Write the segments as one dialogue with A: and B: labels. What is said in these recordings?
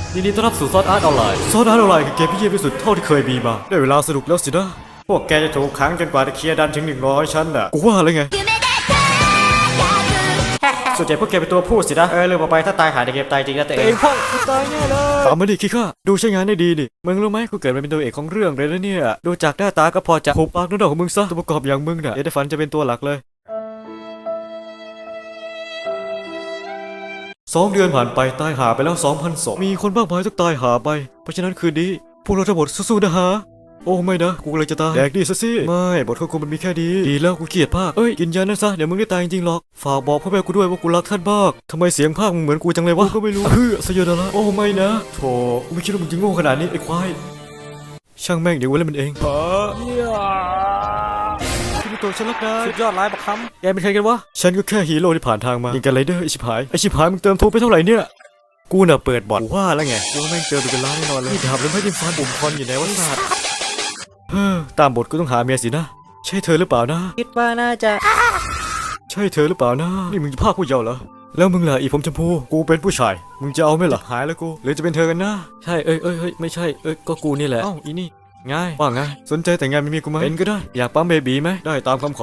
A: ยินดีต้อนรับสู่ซอสอาร์ตออนไลน์ซอสอาร์ตออนไลน์คือเกมที่เยี่ยมที่สุดเท่าที่เคยมีมาได้เวลาสนุกแล้วสินะพวกแกจะถูกขังจนกว่าจะเคลียร์ดันถึง100ชั้นน่ะกูว่าอะไรไงส่วนใหญ่พวกแกเป็นตัวพูดสินะเรื่องต่อไปถ้าตายหาในเกมตายจริงนะแต่เองพ่อกูตายแน่เลยตามมาดิคิดข้าดูใช้งานได้ดีดิมึงรู้ไหมกูเกิดมาเป็นตัวเอกของเรื่องเลยนะเนี่ยดูจากหน้าตาก็พอจะหุบปากนุ่นดอกของมึงซะตัวประกอบอย่างมึงน่ะอย่าได้ฝันจะเป็นตัวหลักเลย2 เดือนผ่านไปตายหาไปแล้ว 2,000 ศพมีคนมากมายต้องตายหาไปเพราะฉะนั้นคืนนี้พวกเราทั้งหมดสู้ๆนะฮะโอ้ไม่นะกูเลยจะตายแดกดีซะสิไม่บทควบคุมมันมีแค่ดีแล้วกูเกลียดภาคกินยานั่นซะเดี๋ยวมึงได้ตายจริงๆหรอกฝากบอกพ่อแม่กูด้วยว่ากูรักท่านมากทำไมเสียงภาคมึงเหมือนกูจังเลยวะก็ไม่รู้สยดละโอ้ไม่นะโธ่กูไม่คิดว่ามึงจะโง่ขนาดนี้ไอ้ควายช่างแม่งเดี๋ยวกูเล่นมันเองพี่ตัวฉันรักได้สุดยอดร้ายบักคำแกเป็นใครกันวะฉันก็แค่ฮีโร่ที่ผ่านทางมายิงกันไรเดอร์ไอชิบหายมึงเติมทุบไปเท่าไหร่เนี่ยกูน่ะเปิดบอทว่าแล้วไงกูแม่งเติมไปเป็นล้านแน่นอนเลยนี่ดาบแล้วไม่ยิงฟันปุ่มคอนอยู่ไหนวะสัตว์ตามบทก็ต้องหาเมียสินะใช่เธอหรือเปล่านะ
B: คิดว่าน่าจะ
A: ใช่เธอหรือเปล่านะนี่มึงจะพาผู้เยาว์เหรอแล้วมึงล่ะอีผมชมพูกูเป็นผู้ชายมึงจะเอาไหมล่ะหายแล้วกูหรือจะเป็นเธอกันนะใช่ไม่ใช่ก็กูนี่แหละอีนี่ง่ายว่าไงสนใจแต่งงานไม่มีกูไหมเป็นก็ได้อยากปั๊มเบบีไหมได้ตามคำขอ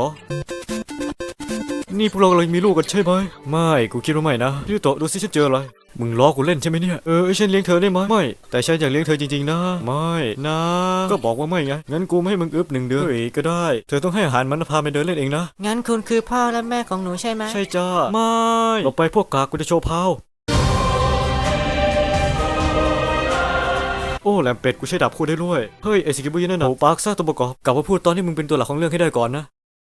A: นี่พวกเรากำลังมีลูกกันใช่ไหมไม่กูคิดว่าไม่นะพี่โตดูสิฉันเจออะไรมึงล้อกูเล่นใช่ไหมเนี่ยฉันเลี้ยงเธอได้ไหมไม่แต่ฉันอยากเลี้ยงเธอจริงๆนะไม่นะก็บอกว่าไม่ไงงั้นกูไม่ให้มึงอึบ1 เดือนก็ได้เธอต้องให้อาหารมันพาไปเดินเล่นเองนะ
B: งั้นคุณคือพ่อและแม่ของหนูใช่ไหม
A: ใช่จ้าไม่ต่อไปพวกกากกูจะโชว์พาวโอ้แหลมเป็ดกูใช้ดาบคู่ได้ด้วยเฮ้ยไอสิกิบุยนั่นน่ะโอ้ปาร์คซ่าตัวประกอบกลับมาพูดตอนที่มึงเป็นตัวหลักของเรื่องให้ได้ก่อนนะ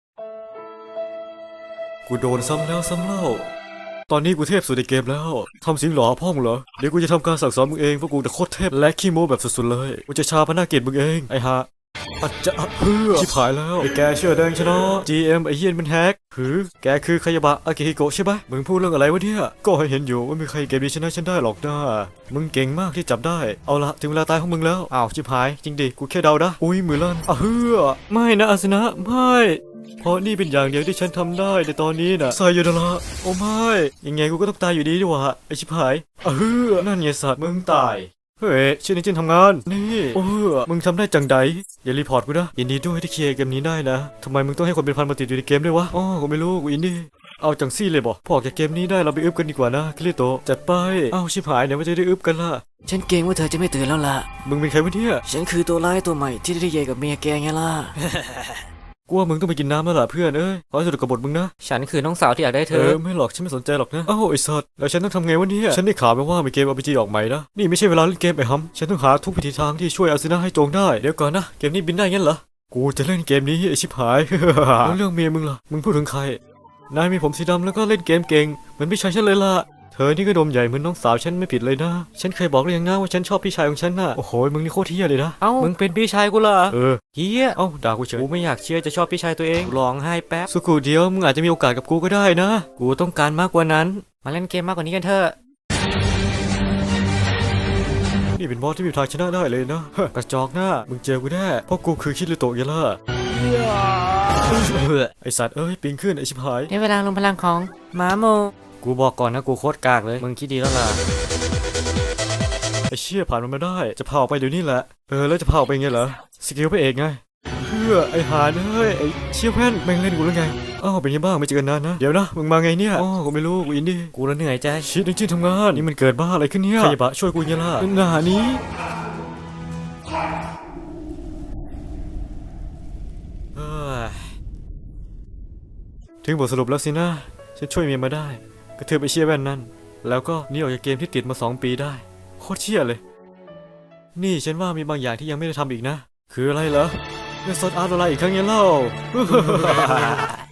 A: กูโดนซ้ำแล้วซ้ำเล่าตอนนี้กูเทพสุดในเกมแล้วทำสิ่งหล่อพ่อมึงเหรอเดี๋ยวกูจะทำการสั่งสอนมึงเองเพราะกูจะโคตรเทพและขี้โม้แบบสุดๆเลยกูจะชาพนาเกตมึงเองไอ้ฮะอาจจะเพื่อชิบหายแล้วไอ้แกเชื่อแดงชนะ GM ไอ้เฮียนมันแฮกแกคือคายาบะอากิฮิโกะใช่ไหมมึงพูดเรื่องอะไรวะเนี่ยก็ให้เห็นอยู่ว่าไม่มีใครเกมนี้ชนะฉันได้หรอกนะมึงเก่งมากที่จับได้เอาละถึงเวลาตายของมึงแล้วอ้าวชิบหายจริงดิกูแค่เดานะอุ้ยมือลั่นไม่นะอาสนะไม่เพราะนี่เป็นอย่างเดียวที่ฉันทำได้ในตอนนี้นะไซโยดาระโอ้ไม่ยังไงกูก็ต้องตายอยู่ดีดีวะไอชิบหายนั่นไงสัตว์มึงตายเฮ้ยชื่อนี้จินทำงานนี่มึงทำได้จังใดอย่ารีพอร์ตกูนะยินดีด้วยที่เคลียร์เกมนี้ได้นะทำไมมึงต้องให้คนเป็นพันมาติดอยู่ในเกมด้วยวะกูไม่รู้กูอินดี้เอาจังซี่เลยบอกพอจากเกมนี้ได้เราไปอึบกันดีกว่านะคลิโตจัดไปชิบหายเดี๋ยวว่าจะได้อึบกันล่ะ
B: ฉันเกรงว่าเธอจะไม่ตื่นแล้วล่ะ
A: มึงเป็นใครวะเนี่ย
B: ฉันคือตัวร้ายตัวใหม่ที่ได้เยกับเมียแกไงล่ะ
A: กูว่ามึงต้องไปกินน้ำแล้วล่ะเพื่อนขอให้สนุกกับบทมึงนะ
B: ฉันคือน้องสาวที่อยากได้เธอ
A: ไม่หรอกฉันไม่สนใจหรอกนะไอ้สัตว์แล้วฉันต้องทำไงวะเนี่ยฉันได้ข่าวมาว่ามีเกม RPG ออกใหม่นะนี่ไม่ใช่เวลาเล่นเกมไอ้ฮัมฉันต้องหาทุกวิธีทางที่ช่วยอาซึนะให้โจงได้เดี๋ยวก่อนนะเกมนี้บินได้งั้นเหรอกูจะเล่นเกมนี้ไอ้ชิบหาย แล้วเรื่องเมียมึงล่ะมึงพูดถึงใครนายมีผมสีดำแล้วก็เล่นเกมเก่งเหมือนพี่ชายฉันเลยล่ะเธอนี่ก็ดมใหญ่เหมือนน้องสาวฉันไม่ผิดเลยนะฉันเคยบอกเลยยังนะว่าฉันชอบพี่ชายของฉันน่ะโอ้โหมึงนี่โคตรเฮี้ยเลยนะ
B: มึงเป็นพี่ชายกูเหรอ
A: เฮี้ยด่ากูเฉย
B: กูไม่อยากเชื่อจะชอบพี่ชายตัวเองร้องไห้แป๊บ
A: สุกูเดียวมึงอาจจะมีโอกาสกับกูก็ได้นะ
B: กูต้องการมากกว่านั้นมาเล่นเกมมากกว่านี้กันเถอะ
A: นี่เป็นบอสที่มีทางชนะได้เลยนะกระจอกหน้ามึงเจอกูแน่เพราะกูคือคิริโตะยัล่ะไอสัตว์ปีนขึ้นไอชิบหาย
B: ในเวลาลงพลังของม้าโม
A: กูบอกก่อนนะกูโคตรกากเลยมึงคิดดีแล้วล่ะไอเชี่ยผ่านมันมาได้จะพาออกไปเดี๋ยวนี้แหละแล้วจะพาออกไปไงเหรอสกิลพระเอกไงเพื่อไอหาไอเชี่ยแว่นแม่งเล่นกูแล้วไงเป็นยังบ้างไม่เจอกันนานนะเดี๋ยวนะมึงมาไงเนี่ยกูไม่รู้กูอินดี้
B: กูเหนื่อยใจ
A: ชิดจริงๆทำงานนี่มันเกิดบ้าอะไรขึ้นเนี่ยใครบะช่วยกูยังล่ะหน้านี้ถึงบทสรุปแล้วสินะฉันช่วยเมียมาได้กระเทือบไอเชี่ยแว่นนั่นแล้วก็นี่ออกจากเกมที่ติดมา2 ปีได้โคตรเชี่ยเลยนี่ฉันว่ามีบางอย่างที่ยังไม่ได้ทำอีกนะคืออะไรเหรอเล่นซอสอาร์ตอะไรอีกครั้งยังเล่า